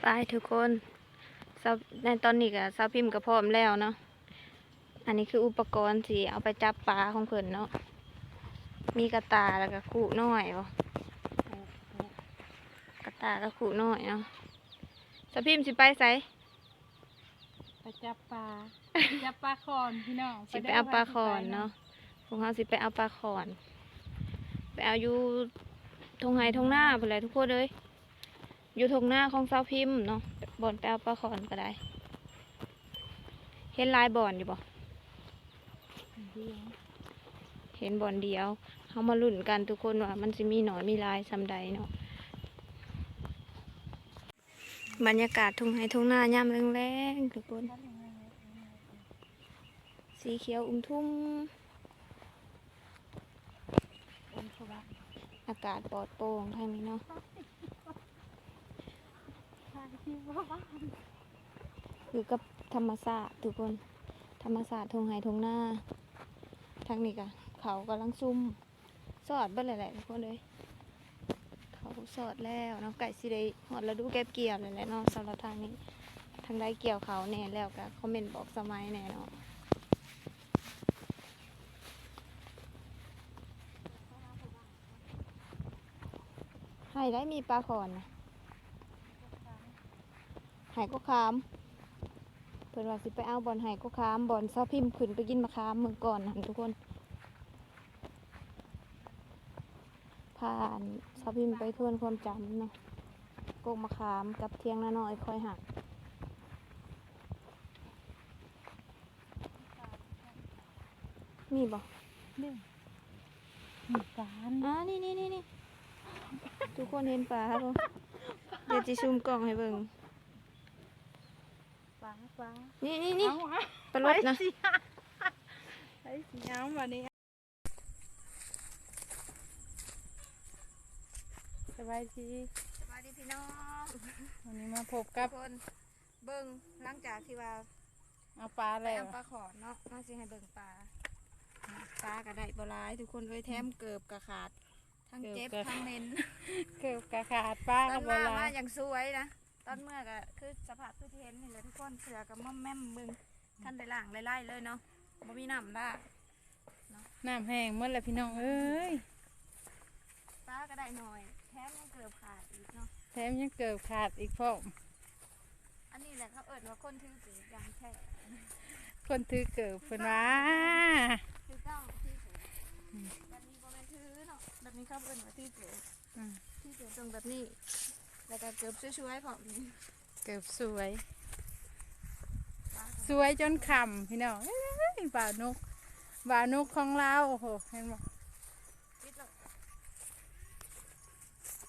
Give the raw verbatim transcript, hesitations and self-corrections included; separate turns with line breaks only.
ไปทุกคนในตอนนี้ก็ซาวพิมพ์ก็พร้อมแล้วเนาะอันนี้คืออุปกรณ์ที่เอาไปจับปลาของเพิ่นเนาะมีกระตาแล้วก็ขู่น้อยบ่กระตาแล้วขู่น้อยเนาะซาวพิมพ์สิไปไส
ไปจับปลาจับปลาคอนพี่น้อง
สิไปเอาปลาขอนเนาะพวกเขาสิไปเอาปลาขอนไปเอาอยู่ทงไห้ทงหน้าไปเลยทุกคนเลยอยู่ทงหน้าของซาวพิมพ์เนาะบ่อนไปเอาปลาขอนก็ได้เห็นลายบ่อนอยู่บ่เห็นบ่อนเดียวเขามาลุ้นกันทุกคนว่ามันจะมีหนอนมีลายซำใดเนาะบรรยากาศทงไห้ทงหน้าย่ำแรงๆทุกคนสีเขียวอุ้มทุ่มอากาศปลอดโปร่งทางนี้เนาะอยู่กับธรรมศาสตร์ทุกคนธรรมศาสตร์ทงไห้ทงหน้าทางนี้กะเขากำลังซุ่มสอดเบิ่แหละทุกคนเลยเขาสอดแล้วเนาะไก่สิได้หอดแล้วดูเก็บเกี่ยวเลยแหละเนาะสำหรับทางนี้ทางได้เกี่ยวเขาแน่แล้วกะคอมเมนต์บอกสมัยแน่เนาะให้ได้มีปลาขอนนะหายก็คามเพิ่นว่าสิไปเอาบอลหายก็คามบอลซอพิมพ์ขึ้นไปกินมะขามเมืองก่อนนะทุกคนผ่านซอพิมพ์ไปทวนความจำเนาะโกกมะขามกับเทียงนาน้อยคอยหักมีบ่
นี่มีการ
อ่านี่นี่นี่นี่ทุกคนเห็นปลาบ่เดี๋ยวจะซูมกล้องให้เบิ่ง
ปลาปลา
นี่นี่นี่ปลาลดนะ
ไอ้สีน้ำวันนี้สบายดี
สบายดีพี่น้อง
วันนี้มาพบกับ
คนเบิ่งหลังจากที่ว่า
เอาปลาแล้ว
ปลาขอเนาะน่าสิให้เบิ่งปลาปลาก็ได้บ่หลายทุกคนเลยแถมเกือบกระขาดทั้งเจ็บทั้งเน้น
เกือบกระขาดปลาก็บ่หลาย
อย่างสวยนะตอนเมื่อก็คือสภาพคือที่เห็นนี่แหละทุกคนเสือกับม่อมแม่มมึงท่านได้ล่างไล่ๆเลยเนาะบ่มีน้ำละ
น้ำแห้งเมื่อไรพี่น้องเอ้ย
ปลาก็ได้หน่อยแถมยังเกือบขาดอีกเนาะ
แถมยังเกือบขาดอีกพ่อ
อันนี้แหละเขาเอิ้นว่าคนถือถือยังแท้
คนถือเกือบเพิ่นว่า
ถือเก้าถือถือแบบนี้บ่แม่นถือเนาะแบบนี้เขาเอิ้นว่าถือถือที่เกิดตรงแบบนี้แล้วก็เกือบช่วยๆพอนี้
เกือบสวยสวยจนคำพี่น้องบ่าวนกบ่าวนกของเราโอ้โหเห็นไหม